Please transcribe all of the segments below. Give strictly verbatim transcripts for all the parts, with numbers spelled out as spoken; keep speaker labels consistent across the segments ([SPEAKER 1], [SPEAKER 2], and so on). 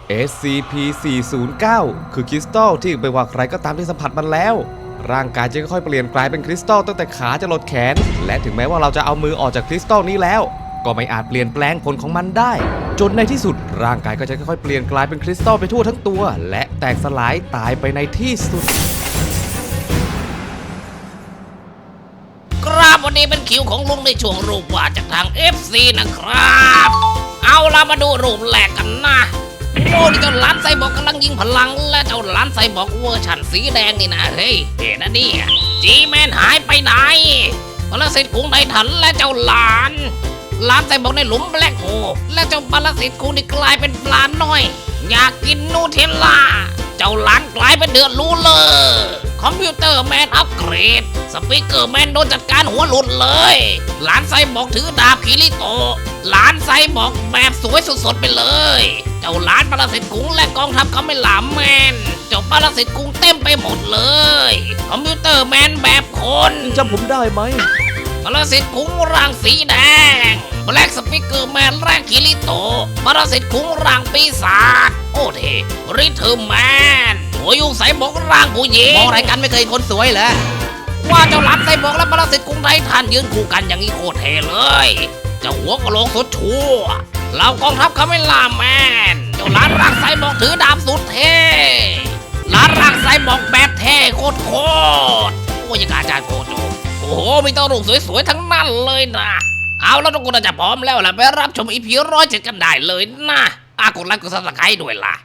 [SPEAKER 1] เอส ซี พี สี่ศูนย์เก้า คือคริสตัลที่ไม่ว่าใครก็ตามที่สัมผัสมันแล้วร่างกายจะค่อยๆเปลี่ยนกลายเป็นคริสตัลตั้งแต่ขาจะหลดแขนและถึงแม้ว่าเราจะเอามือออกจากคริสตัลนี้แล้วก็ไม่อาจเปลี่ยนแปลงผลของมันได้จนในที่สุดร่างกายก็จะค่อยๆเปลี่ยนกลายเป็นคริสตัลไปทั่วทั้งตัวและแตกสลายตายไปในที่สุด
[SPEAKER 2] ครับวันนี้เป็นคิวของลุงในช่วงรูปวาดจากทาง เอฟ ซี นะครับเอาล่ะมาดูรูปแรกกันนะโอ้นี่เจ้าหลานไซบอร์กกำลังยิงพลังและเจ้าหลานไซบอร์กเวอร์ชันสีแดงนี่นะเฮ้ยเห็นนะนี่จีแมนหายไปไหนปรสิตกุ้งไททันและเจ้าหลานหลานไซบอร์กในหลุมแบล็คโฮและเจ้าปรสิตกุ้งนี่กลายเป็นปลาน้อยอยากกินนูเทลล่าเจ้าหลานกลายเป็นเดือดรู้เลยคอมพิวเตอร์แมนอัปเกรดสปีกเกอร์แมนโดนจัดการหัวหลุดเลยหลานไซบอร์กถือดาบคิริโตะหลานไซบอร์กแบบสวยสดๆไปเลยเจ้าหลานปรสิตกุ้งและกองทัพเขาไม่หลามแมนเจ้าปรสิตกุ้งเต็มไปหมดเลยคอมพิวเตอร์แมนแบบคน
[SPEAKER 1] จำผมได้ไหม
[SPEAKER 2] ปรสิตกุ้งร่างสีแดงแบล็กสปีกเกอร์แมนร่างคิริโตะปรสิตกุ้งร่างปีศาจโอ้เทริทึมแมนหัวยุงไซบอร์กร่างผู้หญิงมองอะไรกันไม่เคยคนสวยเหรอว่าเจ้าหลานไซบอร์กและปรสิตกุ้งไททันยืนคู่กันอย่างนี้โคตรเท่เลยเจ้าหัวกะโหลกสุดชั่วเหล่ากองทัพเขาไม่ล่าแมนเจ้าหลานร่างไซบอร์กถือดาบสุดเท่หลานร่างไซบอร์กแบบเท่โคตรโคตรโอ้ยอาจารย์โกโจโอ้โหมีตัวรูปสวยๆทั้งนั้นเลยนะเอาแล้วทุกคนจะพร้อมแล้วล่ะไปรับชมอีพีร้อยเจ็ดกันได้เลยนะอากดไลค์กดซับสไครต์ด้วยล่ะ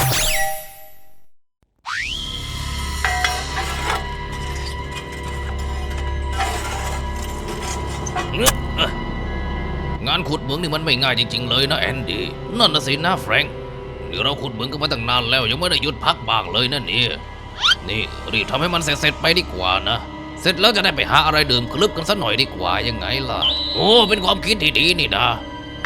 [SPEAKER 2] งานขุดเหมืองนี่มันไม่ง่ายจริงๆเลยนะแอนดี้นั่นน่ะสินะแฟรงค์นี่เราขุดเหมืองกันมาตั้งนานแล้วยังไม่ได้หยุดพักบ้างเลยนะนี่นี่รีบทำให้มันเสร็จๆไปดีกว่านะเสร็จแล้วจะได้ไปหาอะไรดื่มคลึบกันสักหน่อยดีกว่ายังไงล่ะโอ้เป็นความคิดที่ดีนี่นะ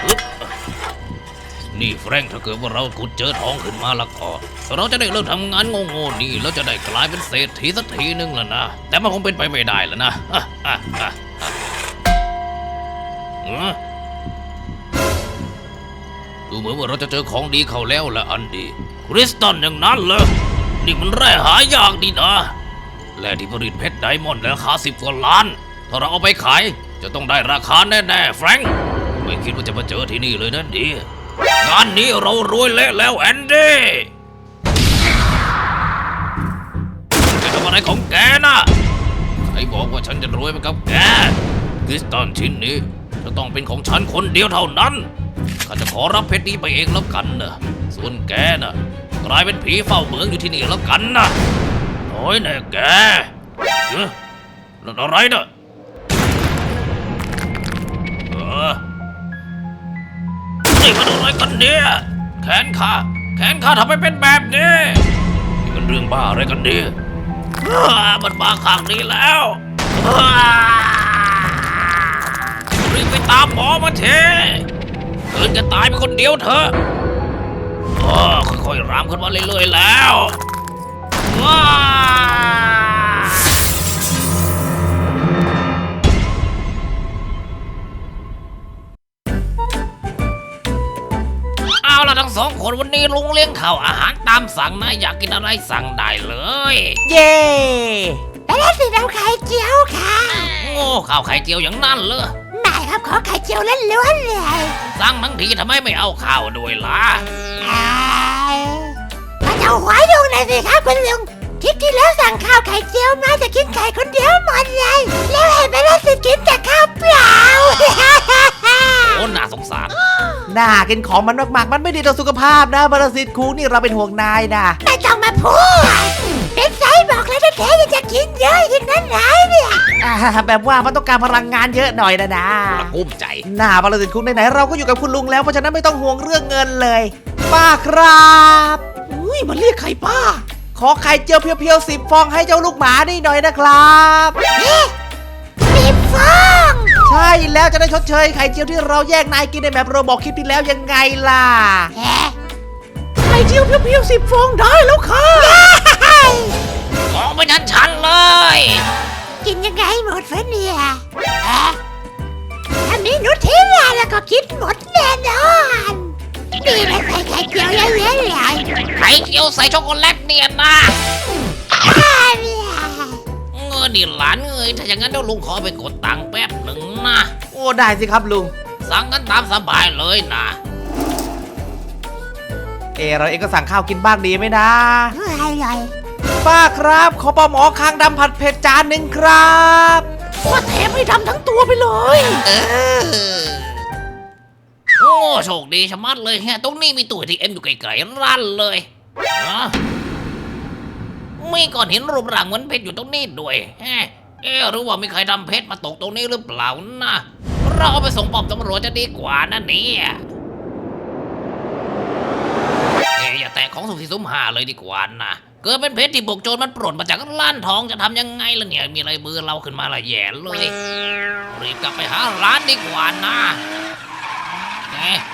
[SPEAKER 2] นี่แฟรงค์ถ้าเกิดว่าเราขุดเจอทองขึ้นมาแล้วก็เราจะได้เลิกทำงานโง่ๆนี่แล้วจะได้กลายเป็นเศรษฐีสักทีนึงแล้วนะแต่มันคงเป็นไปไม่ได้แล้วนะดูเหมือนว่าเราจะเจอของดีเข้าแล้วละอันดีคริสตัลอย่างนั้นเลยนี่มันแร่หายากดีนะแร่ที่ผลิตเพชรไดมอนด์ราคาสิบกว่าล้านถ้าเราเอาไปขายจะต้องได้ราคาแน่ๆแฟรงค์ไม่คิดว่าจะมาเจอที่นี่เลยนั่นดีงานนี้เรารวยเละแล้วแอนดี้จะทำอะไรของแกนะใครบอกว่าฉันจะรวยไปกับแกคริสตัลชิ้นนี้จะต้องเป็นของฉันคนเดียวเท่านั้นข้าจะขอรับเพชรนี้ไปเองแล้วกันนะส่วนแกน่ะกลายเป็นผีเฝ้าเมืองอยู่ที่นี่แล้วกันนะน้อยแน่แกเฮ้ยนั่นอะไรนะเออนี่มันอะไรกันเนี่ยแขนข้าแขนข้าทำไมเป็นแบบนี้นี่มันเรื่องบ้าอะไรกันเนี่ยมันบ้าข้างนี้แล้วรีบไปตามหมอมาเถอะเกินจะตายไปคนเดียวเถอะค่อยๆรามขึ้นมาเรื่อยๆแล้วว้าเอาล่ะทั้งสองคนวันนี้ลุงเลี้ยงข้าวอาหารตามสั่งนะอยากกินอะไรสั่งได้เลย
[SPEAKER 3] เย่ไปแล้วสิเราไข่เจียวค่ะ
[SPEAKER 2] โอ้ข้าวไข่เจียวอย่างนั้นเลย
[SPEAKER 3] ไม่ครับขอไข่เจียวล้วนๆเลย
[SPEAKER 2] สั่งทั้งทีทำไมไม่เอาข้าวด้วยล่ะ
[SPEAKER 3] มาเอาหัวยุงหน่อยสิครับคุณลุงทิศที่แล้วสั่งข้าวไข่เจียวมาจะกินไข่คนเดียวหมดเลยแล้วเห็นไปแล้วสิกินแต่ข้าวเปล่า
[SPEAKER 2] โอ้น่าสงสาร
[SPEAKER 4] น่ากินของมันมากๆมันไม่ดีต่อสุขภาพนะปรสิตคุงนี่เราเป็นห่วงนายนะ
[SPEAKER 3] ไม่ต้องมาพูดเป็นไซบอกแล้วแท้ๆยังจะกินเยอะอย่างนั้นไหนเนี่ย
[SPEAKER 4] แบบว่ามันต้องการพลังงานเยอะหน่อยนะนะ
[SPEAKER 2] กุ้มใจ
[SPEAKER 4] น่าปรสิตคุงไหนๆเราก็อยู่กับคุณลุงแล้วเพราะฉะนั้นไม่ต้องห่วงเรื่องเงินเลยป้าครับ
[SPEAKER 3] อุ้ยมันเรียกไข่ป้า
[SPEAKER 4] ขอไข่เจียวเพียวๆสิบฟองให้เจ้าลูกหมานี่หน่อยนะครับ
[SPEAKER 3] สิบฟอง
[SPEAKER 4] ใช่แล้วจะได้ชดเชยไข่เจียวที่เราแยกนายกินในแบบโรบอกคลิปที่แล้วยังไงล่ะ
[SPEAKER 3] ไข่เจียวเพียวๆสิบฟองได้แล้วค่ะ
[SPEAKER 2] ของไปทันฉันเลย
[SPEAKER 3] กินยังไงหมดฟะเนี่ยถ้ามีนุชเทลาแล้วก็กินหมดแน่นอนนี่ไม่ใส่ไข่เจียวเยอะๆเลย
[SPEAKER 2] ข่เจียวใส่ช็อกโกแลตเนี่ยนะเงินนี่หลานเอ้ยถ้าอย่างนั้นเดี๋ยวลุงขอไปกดตังค์แป๊บหนึ่งนะ
[SPEAKER 4] โอ้ได้สิครับลุง
[SPEAKER 2] สั่งกันตามสบายเลยนะ
[SPEAKER 4] เอเราเองก็สั่งข้าวกินบ้างดีไหมนะ
[SPEAKER 3] อร่อย
[SPEAKER 4] ป้าครับขอปลาหมอคางดำผัดเผ็ดจานหนึ่งครับ
[SPEAKER 3] ว่าแถมให้ดำทั้งตัวไปเลย
[SPEAKER 2] เออโอ้โชคดีชะมัดเลยแฮะตรงนี้มีตู้เอทีเอ็มอยู่ไกลๆร้านเลยอะมีก้อนหินรูปร่างเหมือนเพชรอยู่ตรงนี้ด้วยแฮะเอ๊ะหรือว่ามีใครทำเพชรมาตกตรงนี้หรือเปล่านะเราเอาไปส่งป้อมตำรวจจะดีกว่านะเนี่ยเอ๊ะอย่าแตะของสุ่มสี่สุ่มห้าเลยดีกว่านะเกิดเป็นเพชรที่บุกโจรมันปล้นมาจากร้านทองจะทำยังไงล่ะเนี่ยมีอะไรมือเราขึ้นมาละแย่เลยรีบกลับไปหาร้านดีกว่านะเอ๊ะ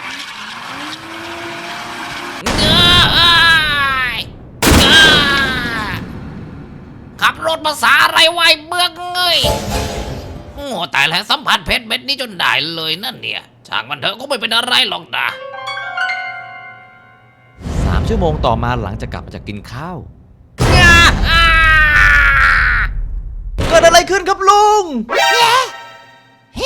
[SPEAKER 2] เอ้ยเอ้ยขับรถภาษาอะไรไวะไอ้เบือกเงยโอ้ตายแล้วสัมผัสเพชรเม็ดนี้จนได้เลยนั่นเนี่ยช่างมันเถอะก็ไม่เป็นอะไรหรอกนะ
[SPEAKER 1] สามชั่วโมงต่อมาหลังจากกลับมาจากกินข้าว
[SPEAKER 4] เกิดอะไรขึ้นครับลุง
[SPEAKER 3] เฮ้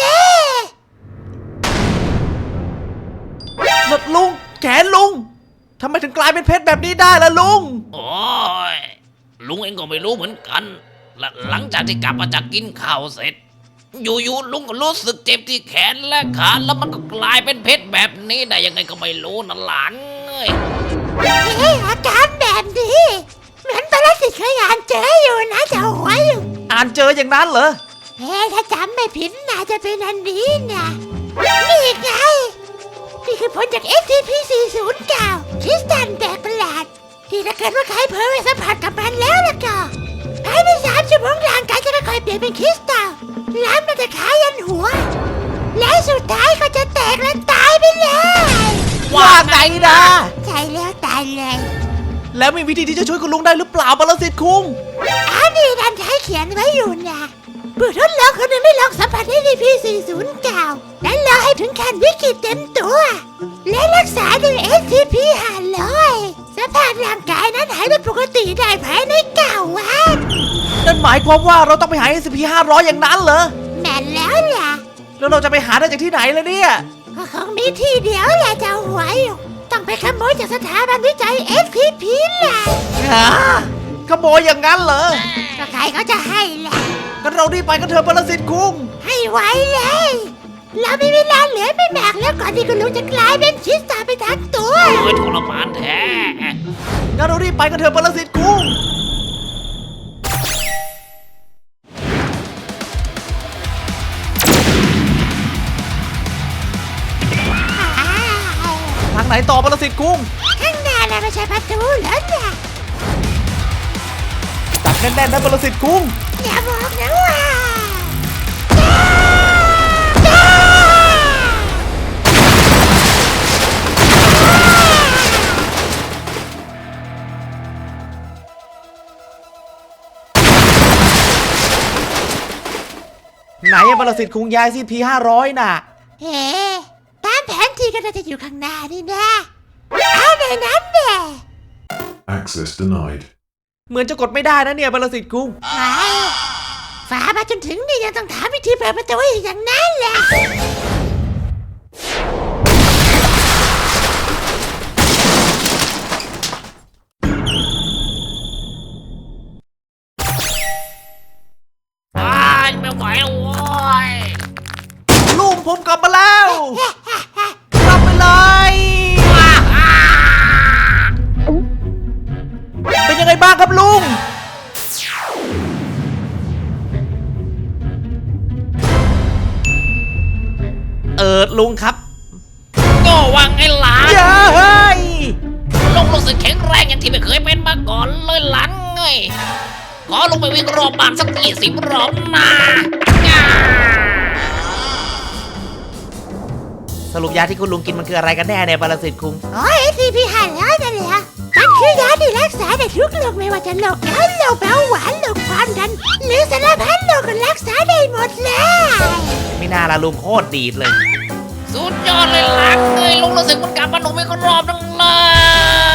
[SPEAKER 4] หลดลุงแขนลุงทำไมถึงกลายเป็นเพชรแบบนี้ได้ล่ะลุง
[SPEAKER 2] โอ้ยลุงเองก็ไม่รู้เหมือนกันและหลังจากที่กลับมาจากกินข้าวเสร็จ อยู่ๆลุงก็รู้สึกเจ็บที่แขนและขาแล้วมันก็กลายเป็นเพชรแบบนี้ได้ยังไงก็ไม่รู้นะหลานเอ้ย
[SPEAKER 3] เฮ้อาการแบบนี้เหมือนปรสิตเคยอ่านเจออยู่นะเจ้าหัวอยู่
[SPEAKER 4] อ่านเจออย่างนั้นเหรอ
[SPEAKER 3] เฮ้ถ้าจำไม่ผิดน่าจะเป็นอันนี้นะนี่ไงนี่คือผลจาก เอส ที พี สี่ศูนย์เก้า คริสตัลแปลกประหลาดที่ถ้าเกิดว่าใครเผลอไปสัมผัสกับมันแล้วล่ะก็ภายในสามชั่วโมงร่างกายจะค่อยๆเปลี่ยนเป็นคริสตัลล้ำตั้งแต่ขายันหัว และสุดท้ายก็จะแตกและตายไปเลย
[SPEAKER 4] ว่าไงนะ
[SPEAKER 3] ใช่แล้วตายเลย
[SPEAKER 4] แล้วมีวิธีที่จะช่วยคุณลุงได้หรือเปล่าปรสิตคุง
[SPEAKER 3] อันนี้ดันใช้เขียนไว้อยู่นะผู้ทดลองคนหนึ่งได้ลองสัมผัส เอส ที พี สี่ศูนย์เก้า และรอให้ถึงขั้นวิกฤตเต็มตัว และรักษาด้วย เอส ที พี ห้าร้อย สภาพร่างกายนั้นหายเป็นปกติได้ภายในเก้าวัน
[SPEAKER 4] นั่นหมายความว่าเราต้องไปหา เอส พี ห้าร้อยอย่างนั้นเหรอ
[SPEAKER 3] แม่นแล้วล่ะ
[SPEAKER 4] แล้วเราจะไปหาได้จากที่ไหนล่ะเนี่ย
[SPEAKER 3] ก็คงมีที่เดียวแหละเจ้าหวยต้องไปขโมยจากสถาบันวิจัย เอส ที พี แหละ
[SPEAKER 4] ฮะขโมยอย่างนั้นเหรอ
[SPEAKER 3] ก็ใครเขาจะให้แหละ
[SPEAKER 4] กันเรารีบไปกันเถอะปรสิตคุง
[SPEAKER 3] ให้ไวเลย เรามีเวลาเหลือไม่มากแล้วก่อนที่คุณลุงจะกลายเป็นคริสตัลไปทั้งตัว
[SPEAKER 2] โอ้ยทรมานแท้
[SPEAKER 4] งั้นเรารีบไปกันเถอะปรสิตคุง ทางไหนต่อปรสิตคุง
[SPEAKER 3] ข้างหน้าน่ะไม่ใช่ประตูแล้วนะ
[SPEAKER 4] จับแน่นๆนะปรสิตคุง
[SPEAKER 3] อย่าบอกนะว่า
[SPEAKER 4] ไหนอะปรสิตคุงย้ายซีพีห้าร้อยน่ะ
[SPEAKER 3] เฮ้ตามแผนที่ก็น่าจะอยู่ข้างหน้านี่นะเอาในนั้นแน่
[SPEAKER 5] Access denied.
[SPEAKER 4] เหมือนจะกดไม่ได้นะเนี่ยปรสิตคุง
[SPEAKER 3] ไอ้ฝามาจนถึงนี่ยังต้องถามวิธีเปิดประตูอีกอย่างนั้นแหละ
[SPEAKER 2] ตายไม่ไหวแล้วโว้ย
[SPEAKER 4] ลุงผมกลับมาแล้ว กลับไปเลย เป็นยังไงบ้างครับลุง เออลุงครับ
[SPEAKER 2] ก็วังไอ้หลาน
[SPEAKER 4] เย้ย
[SPEAKER 2] ลุงรู้สึกแข็งแรงอย่างที่ไม่เคยเป็นมาก่อนเลยหลานเงยขอลงไปวิ่งรอบบ้านสักยี่สิบรอบนะง่า
[SPEAKER 4] สรุปยาที่คุณลุงกินมันคืออะไรกันแน่เนี่ยปรสิตคุง
[SPEAKER 3] โอ้ยทีพีหันแล้วนั่นแหละมันคือยาที่รักษาได้ทุกโรคไม่ว่าจะโรคเกาต์โรคเบาหวานโรคความดัน หรือสารพัดโรคก็รักษาได้หมดเลย
[SPEAKER 4] ไม่น่าละลุงโคตรดีดเลย
[SPEAKER 2] สุดยอดเลยหลานเงยลุงรู้สึกเหมันกลับมาหนุ่มอีกรอบนึงเลย